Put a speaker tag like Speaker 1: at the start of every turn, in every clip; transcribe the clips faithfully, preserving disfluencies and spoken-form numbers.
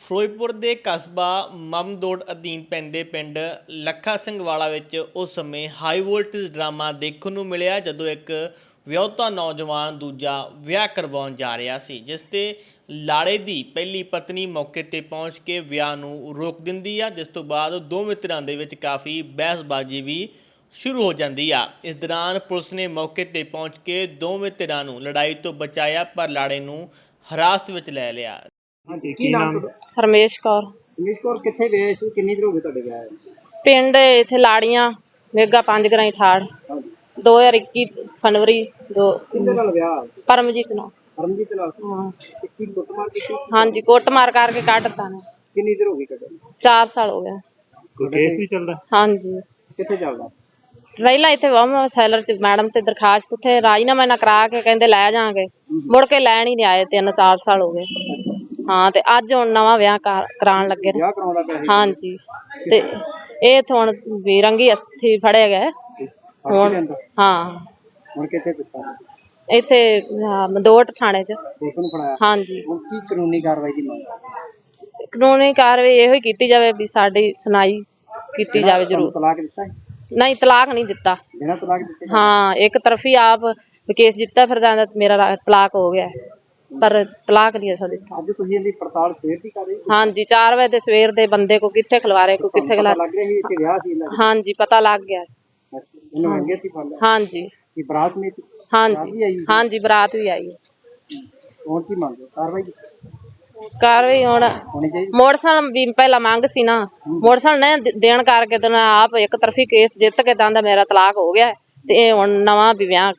Speaker 1: ਫਿਰੋਜ਼ਪੁਰ ਦੇ ਕਸਬਾ ਮਮਦੋਟ ਅਧੀਨ ਪੈਂਦੇ ਪਿੰਡ ਲੱਖਾ ਸਿੰਘ ਵਾਲਾ ਵਿੱਚ ਉਸ ਸਮੇਂ ਹਾਈ ਵੋਲਟੇਜ ਡਰਾਮਾ ਦੇਖਣ ਨੂੰ ਮਿਲਿਆ ਜਦੋਂ ਇੱਕ ਵਿਆਹੁਤਾ ਨੌਜਵਾਨ ਦੂਜਾ ਵਿਆਹ ਕਰਵਾਉਣ ਜਾ ਰਿਹਾ ਸੀ, ਜਿਸ ਤੇ ਲਾੜੇ ਦੀ ਪਹਿਲੀ ਪਤਨੀ ਮੌਕੇ ਤੇ ਪਹੁੰਚ ਕੇ ਵਿਆਹ ਨੂੰ ਰੋਕ ਦਿੰਦੀ ਆ, ਜਿਸ ਤੋਂ ਬਾਅਦ ਦੋਵੇਂ ਧਿਰਾਂ ਦੇ ਵਿੱਚ ਕਾਫੀ ਬਹਿਸਬਾਜ਼ੀ ਵੀ ਸ਼ੁਰੂ ਹੋ ਜਾਂਦੀ ਆ। ਇਸ ਦੌਰਾਨ ਪੁਲਿਸ ਨੇ ਮੌਕੇ ਤੇ ਪਹੁੰਚ ਕੇ ਦੋਵੇਂ ਧਿਰਾਂ ਨੂੰ ਲੜਾਈ ਤੋਂ ਬਚਾਇਆ, ਪਰ ਲਾੜੇ ਨੂੰ ਹਿਰਾਸਤ ਵਿੱਚ ਲੈ ਲਿਆ।
Speaker 2: ਹਾਂਜੀ, ਕੀ ਨਾਮ ਤੁਹਾਡਾ?
Speaker 3: ਹਰਮੇਸ਼ ਕੌਰ।
Speaker 2: ਰਮੇਸ਼ ਕੌਰ ਕਿੱਥੇ ਗਏ ਸੀ? ਕਿੰਨੀ ਦੇਰ ਹੋ ਗਈ ਤੁਹਾਡੇ ਵਿਆਹ ਨੂੰ?
Speaker 3: ਪਿੰਡ ਇੱਥੇ ਲਾੜੀਆਂ ਮੇਗਾ ਪੰਜ ਗਰਾਈ ਠਾੜ
Speaker 2: ਹਾਂਜੀ,
Speaker 3: ਦੋ ਹਜ਼ਾਰ ਇੱਕੀ ਫਰਵਰੀ ਦੋ
Speaker 2: ਕਿਹਦੇ ਨਾਲ ਵਿਆਹ?
Speaker 3: ਪਰਮਜੀਤ ਨਾਲ।
Speaker 2: ਪਰਮਜੀਤ ਨਾਲ।
Speaker 3: ਹਾਂ
Speaker 2: ਤੇ ਕੀ ਕੁੱਟਮਾਰ ਕੀਤੀ?
Speaker 3: ਹਾਂਜੀ, ਕੁੱਟ ਮਾਰ ਕਰਕੇ ਕੱਢਤਾ ਨੇ।
Speaker 2: ਕਿੰਨੀ ਦੇਰ ਹੋ ਗਈ ਕੱਢੇ?
Speaker 3: ਚਾਰ ਸਾਲ ਹੋ ਗਏ।
Speaker 2: ਕੋਈ ਕੇਸ ਵੀ ਚੱਲਦਾ?
Speaker 3: ਹਾਂਜੀ,
Speaker 2: ਕਿੱਥੇ ਚੱਲਦਾ?
Speaker 3: ਪਹਿਲਾਂ ਇੱਥੇ ਵਮ ਸੈਲਰ ਚ ਮੈਡਮ ਤੇ ਦਰਖਾਸਤ ਉੱਥੇ ਰਾਜੀਨਾਮਾ ਨਾ ਕਰਾ ਕੇ ਕਹਿੰਦੇ ਲੈ ਜਾਾਂਗੇ, ਮੁੜ ਕੇ ਲੈਣ ਹੀ ਨਹੀਂ ਆਏ। ਤਿੰਨ ਚਾਰ ਸਾਲ ਹੋ ਗਏ। ਹਾਂ, ਤੇ ਅੱਜ ਹੁਣ ਨਵਾਂ ਵਿਆਹ ਕਰ- ਕਰਾਉਣ ਲੱਗੇ ਨੇ।
Speaker 2: ਵਿਆਹ ਕਰਾਉਂਦਾ ਪਿਆ ਸੀ?
Speaker 3: ਹਾਂਜੀ, ਤੇ ਇਹ ਤਾਂ ਹੁਣ ਵੀ ਰੰਗੀ ਅਸਥੀ ਫੜੇ ਗਏ
Speaker 2: ਫੜ ਕੇ
Speaker 3: ਹੁਣ।
Speaker 2: ਲਿਆਂਦਾ?
Speaker 3: ਹਾਂ,
Speaker 2: ਹੁਣ ਕਿੱਥੇ ਦਿੱਤਾ?
Speaker 3: ਇੱਥੇ ਆਹ, ਮਦੋਟ ਥਾਣੇ ਚ।
Speaker 2: ਪੁਲਿਸ ਨੂੰ ਫੜਾਇਆ?
Speaker 3: ਹਾਂਜੀ,
Speaker 2: ਹੁਣ ਕੀ ਕਾਨੂੰਨੀ ਕਾਰਵਾਈ ਦੀ ਮੰਗ?
Speaker 3: ਕਾਨੂੰਨੀ ਕਾਰਵਾਈ ਇਹੋ ਹੀ ਕੀਤੀ ਜਾਵੇ ਵੀ ਸਾਡੀ ਸੁਣਾਈ ਕੀਤੀ ਜਾਵੇ
Speaker 2: ਤੁਹਾਨੂੰ
Speaker 3: ਜ਼ਰੂਰ।
Speaker 2: ਤਲਾਕ ਦਿੱਤਾ ਹੈ?
Speaker 3: ਨਹੀਂ, ਤਲਾਕ ਨਹੀਂ ਦਿੱਤਾ।
Speaker 2: ਬਿਨਾਂ ਤਲਾਕ ਦਿੱਤੇ?
Speaker 3: ਹਾਂ, ਇੱਕ ਤਰਫੀ ਆਪ ਕੇਸ ਜਿੱਤਾ ਫਿਰਦਾ ਤੇ ਮੇਰਾ ਰਾ- ਤਲਾਕ ਹੋ ਗਿਆ, ਪਰ ਤਲਾਕ ਨਹੀਂ ਅਸਾਂ ਦਿੱਤਾ।
Speaker 2: ਅੱਜ ਤੁਸੀਂ ਇਹਦੀ ਪੜਤਾਲ ਸਵੇਰ ਦੀ ਕਰ ਰਹੇ ਹੋ?
Speaker 3: ਹਾਂਜੀ, ਚਾਰ ਵਜੇ ਦੇ ਸਵੇਰ ਦੇ ਬੰਦੇ ਕੋ ਕਿੱਥੇ ਖਿਲਵਾਰੇ ਕੋ ਕਿੱਥੇ
Speaker 2: ਪਤਾ
Speaker 3: ਖਿਲਾ।
Speaker 2: ਲੱਗ ਰਿਹਾ ਸੀ ਇੱਥੇ ਵਿਆਹ ਸੀ ਇਹਨਾਂ ਦਾ?
Speaker 3: ਹਾਂਜੀ, ਪਤਾ ਲੱਗ ਗਿਆ।
Speaker 2: ਇਹਨੂੰ ਅੰਗੇ ਸੀ ਫੜ ਲਿਆ?
Speaker 3: ਹਾਂਜੀ
Speaker 2: ਕੀ ਬਰਾਤ ਨਹੀਂ ਸੀ?
Speaker 3: ਹਾਂਜੀ ਹਾਂਜੀ, ਬਰਾਤ ਵੀ ਆਈ।
Speaker 2: ਹੁਣ ਕੀ ਮੰਗਦੇ? ਕਾਰਵਾਈ
Speaker 3: ਕਾਰਵਾਈ ਹੁਣ
Speaker 2: ਹੋਣੀ ਚਾਹੀਦੀ?
Speaker 3: ਮੋਟਰਸਾਈਕਲ ਵੀ ਪਹਿਲਾਂ ਮੰਗ ਸੀ ਨਾ, ਮੋਟਰਸਾਈਕਲ ਨੇ ਦੇ- ਦੇਣ ਕਰਕੇ ਤੇ ਮੈਂ ਆਪ ਇੱਕ ਤਰਫੀ ਕੇਸ ਜਿੱਤ ਕੇ ਦੰਦਾ ਮੇਰਾ ਤਲਾਕ ਹੋ ਗਿਆ, ਤੇ ਇਹ ਹੁਣ ਨਵਾਂ ਵੀ ਵਿਆਹ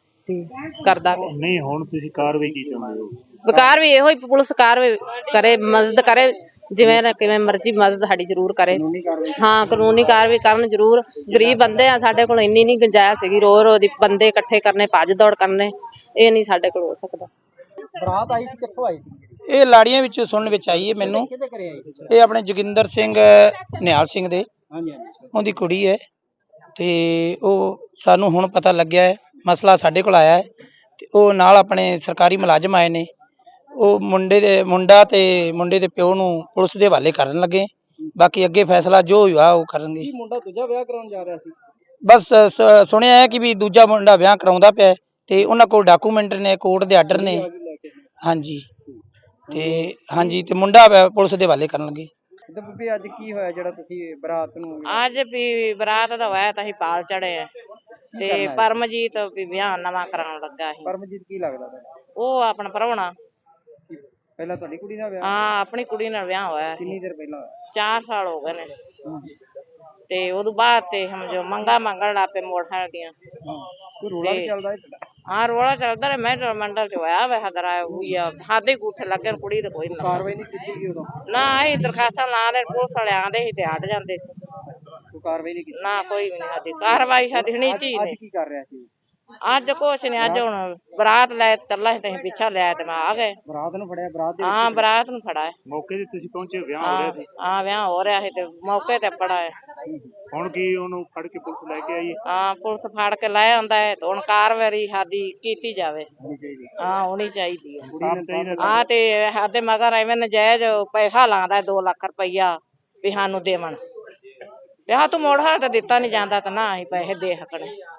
Speaker 3: ਕਰਦਾ ਪਿਆ।
Speaker 4: ਨਹੀਂ, ਹੁਣ ਤੁਸੀਂ ਕਾਰਵਾਈ ਕੀ ਚਾਹੁੰਦੇ ਹੋ?
Speaker 3: ਵਿਕਾਰ ਵੀ ਇਹੋ ਹੀ ਪੁਲਿਸ ਕਾਰਵਾਈ ਕਰੇ, ਮਦਦ ਕਰੇ, ਜਿਵੇਂ ਨਾ ਕਿਵੇਂ ਮਰਜ਼ੀ ਮਦਦ ਸਾਡੀ ਜ਼ਰੂਰ ਕਰੇ।
Speaker 2: ਕਾਨੂੰਨੀ ਕਾਰਵਾਈ?
Speaker 3: ਹਾਂ, ਕਾਨੂੰਨੀ ਕਾਰਵਾਈ ਕਰਨ ਜ਼ਰੂਰ। ਗਰੀਬ ਬੰਦੇ ਆ, ਸਾਡੇ ਕੋਲ ਇੰਨੀ ਨਹੀਂ ਗੁੰਜਾਇਸ਼ ਸੀਗੀ ਰੋ ਰੋ ਦੀ ਬੰਦੇ ਇਕੱਠੇ ਕਰਨੇ, ਭੱਜ ਦੌੜ ਕਰਨੇ, ਇਹ ਨਹੀਂ ਸਾਡੇ ਕੋਲ ਹੋ ਸਕਦਾ।
Speaker 2: ਬਰਾਤ ਆਈ ਸੀ, ਕਿੱਥੋਂ ਆਈ ਸੀ?
Speaker 5: ਇਹ ਲਾੜੀਆਂ ਵਿੱਚ ਸੁਣਨ ਵਿੱਚ ਆਈ ਹੈ ਮੈਨੂੰ।
Speaker 2: ਕਿਹਦੇ ਘਰੇ ਆਈ?
Speaker 5: ਇਹ ਆਪਣੇ ਜੋਗਿੰਦਰ ਸਿੰਘ ਨਿਹਾਲ ਸਿੰਘ ਦੇ,
Speaker 2: ਹਾਂਜੀ ਹਾਂਜੀ।
Speaker 5: ਉਹਦੀ ਕੁੜੀ ਹੈ, ਤੇ ਉਹ ਸਾਨੂੰ ਹੁਣ ਪਤਾ ਲੱਗਿਆ ਹੈ, ਮਸਲਾ ਸਾਡੇ ਕੋਲ ਆਇਆ ਹੈ, ਤੇ ਉਹ ਨਾਲ ਆਪਣੇ ਸਰਕਾਰੀ ਮੁਲਾਜ਼ਮ ਆਏ ਨੇ। ਉਹ ਮੁੰਡੇ ਦੇ ਮੁੰਡਾ ਤੇ ਮੁੰਡੇ ਦੇ ਪਿਓ ਨੂੰ ਪੁਲਿਸ ਦੇ ਹਵਾਲੇ ਕਰਨ ਲੱਗੇ, ਬਾਕੀ ਅੱਗੇ ਫੈਸਲਾ ਜੋ ਹੋਇਆ ਉਹ ਕਰਨਗੇ।
Speaker 2: ਕੀ ਮੁੰਡਾ ਦੂਜਾ ਵਿਆਹ ਕਰਾਉਣ ਜਾ ਰਿਹਾ ਸੀ?
Speaker 5: ਬਸ ਸ- ਸੁਣਿਆ ਹੈ ਕਿ ਵੀ ਦੂਜਾ ਮੁੰਡਾ ਵਿਆਹ ਕਰਾਉਂਦਾ ਪਿਆ ਹੈ, ਤੇ ਉਹਨਾਂ ਕੋਲ ਡਾਕੂਮੈਂਟ ਨੇ, ਕੋਰਟ ਦੇ ਆਰਡਰ ਨੇ।
Speaker 2: ਆ ਵੀ ਲੈ ਕੇ?
Speaker 5: ਹਾਂਜੀ, ਤੇ ਹਾਂਜੀ, ਤੇ ਮੁੰਡਾ ਵੈ- ਪੁਲਿਸ ਦੇ ਹਵਾਲੇ ਕਰਨ ਲੱਗੇ।
Speaker 2: ਤੇ ਬੀਬੀ ਅੱਜ ਕੀ ਹੋਇਆ ਜਿਹੜਾ ਤੁਸੀਂ ਬਰਾਤ ਨੂੰ?
Speaker 3: ਅੱਜ ਵੀ ਬਰਾਤ ਦਾ ਹੋਇਆ ਤਾਂ ਅਸੀਂ ਪਾਲ ਚੜੇ ਆ, ਤੇ ਪਰਮਜੀਤ ਵੀ ਵਿਆਹ ਨਵਾਂ ਕਰਾਉਣ ਲੱਗਾ ਸੀ।
Speaker 2: ਪਰਮਜੀਤ ਕੀ ਲੱਗਦਾ ਤੁਹਾਡਾ?
Speaker 3: ਉਹ ਆਪਣਾ ਪ੍ਰਾਹੁਣਾ।
Speaker 2: ਪਹਿਲਾਂ ਤੁਹਾਡੀ ਕੁੜੀ ਦਾ ਵਿਆਹ?
Speaker 3: ਹਾਂ, ਆਪਣੀ ਕੁੜੀ ਨਾਲ ਵਿਆਹ ਹੋਇਆ
Speaker 2: ਕਿੰਨੀ
Speaker 3: ਸੀ।
Speaker 2: ਦੇਰ ਪਹਿਲਾਂ ਹੋਇਆ?
Speaker 3: ਚਾਰ ਸਾਲ ਹੋ ਗਏ ਨੇ, ਤੇ ਉਦੋਂ ਬਾਅਦ ਤੇ ਸਮਝੋ ਮੰਗਾ ਮੰਗਣ ਲੱਗ ਪਏ ਮੋਟਰਸਾਈਕਲ ਦੀਆਂ।
Speaker 2: ਕੋਈ ਰੋਲਾ ਵੀ ਚੱਲਦਾ ਹੈ ਤੁਹਾਡਾ?
Speaker 3: ਹਾਂ, ਰੋਲਾ ਚੱਲਦਾ ਰਿਹਾ। ਮੈਂ ਮੰਡਲ ਚ ਹੋਇਆ ਵੇ ਹਦਰਾ ਹੋਈ ਆ, ਸਾਡੇ ਗੂਠੇ ਲੱਗੇ ਨੇ, ਕੁੜੀ ਤੇ ਕੋਈ ਨਾ।
Speaker 2: ਕਾਰਵਾਈ ਨਹੀਂ ਕੀਤੀ ਗਈ ਉਦੋਂ?
Speaker 3: ਨਾ, ਅਸੀਂ ਦਰਖਾਸਤਾਂ ਲਾ ਲੈ, ਪੁਲਿਸ ਵਾਲੇ ਆਂਦੇ ਸੀ ਤੇ ਹਟ ਜਾਂਦੇ ਸੀ।
Speaker 2: ਕੋਈ ਕਾਰਵਾਈ ਨਹੀਂ ਕੀਤੀ?
Speaker 3: ਨਾ, ਕੋਈ ਵੀ ਨਹੀਂ ਸਾਡੀ ਕਾਰਵਾਈ ਸਾਡੀ ਹਣੀ
Speaker 2: ਅੱਜ
Speaker 3: ਚੀ
Speaker 2: ਅੱਜ
Speaker 3: ਨੇ।
Speaker 2: ਕੀ ਕਰ ਰਿਹਾ ਸੀ?
Speaker 3: ਅੱਜ ਕੁਛ ਨੀ, ਅੱਜ ਹੁਣ ਬਰਾਤ ਲੈ ਤੇ ਚੱਲਾ ਸੀ ਤੇ ਅਸੀਂ ਪਿੱਛਾ ਲਿਆ ਤੇ ਮੈਂ ਆ ਗਏ।
Speaker 2: ਬਰਾਤ ਨੂੰ ਫੜਿਆ? ਬਰਾਤ ਦੇ
Speaker 3: ਹਾਂ, ਬਰਾਤ ਨੂੰ ਫੜਾ ਹੈ।
Speaker 4: ਮੌਕੇ ਤੇ ਤੁਸੀਂ ਪਹੁੰਚੇ, ਵਿਆਹ ਹੋ ਰਿਹਾ
Speaker 3: ਹਾਂ
Speaker 4: ਸੀ?
Speaker 3: ਹਾਂ, ਵਿਆਹ ਹੋ ਰਿਹਾ ਸੀ ਤੇ ਮੌਕੇ ਤੇ ਫੜਾ ਹੈ।
Speaker 4: ਹੁਣ ਕੀ ਉਹਨੂੰ ਫੜ ਕੇ ਪੁਲਿਸ ਲੈ ਕੇ ਆਈ ਹੈ?
Speaker 3: ਹਾਂ, ਪੁਲਿਸ ਫੜ ਕੇ ਲੈ ਆਉਂਦਾ ਹੈ ਤੇ ਹੁਣ ਕਾਰਵਾਈ ਸਾਡੀ ਕੀਤੀ ਜਾਵੇ।
Speaker 2: ਹੋਣੀ ਚਾਹੀਦੀ?
Speaker 3: ਹਾਂ, ਹੋਣੀ ਚਾਹੀਦੀ ਹੈ।
Speaker 4: ਸਾਫ ਚਾਹੀਦਾ।
Speaker 3: ਹਾਂ, ਤੇ ਸਾਡੇ ਮਗਰ ਐਵੇਂ ਨਜਾਇਜ਼ ਪੈਸਾ ਲਾਉਂਦਾ ਦੋ ਲੱਖ ਰੁਪਈਆ ਵੀ ਸਾਨੂੰ ਦੇਵਣ। ਵਿਆਹ ਤੂੰ ਮੋੜ ਹਾਲ ਤੇ ਦਿੱਤਾ ਨੀ ਜਾਂਦਾ, ਤਾਂ ਨਾ ਅਸੀਂ ਪੈਸੇ ਦੇ ਸਕਣੇ।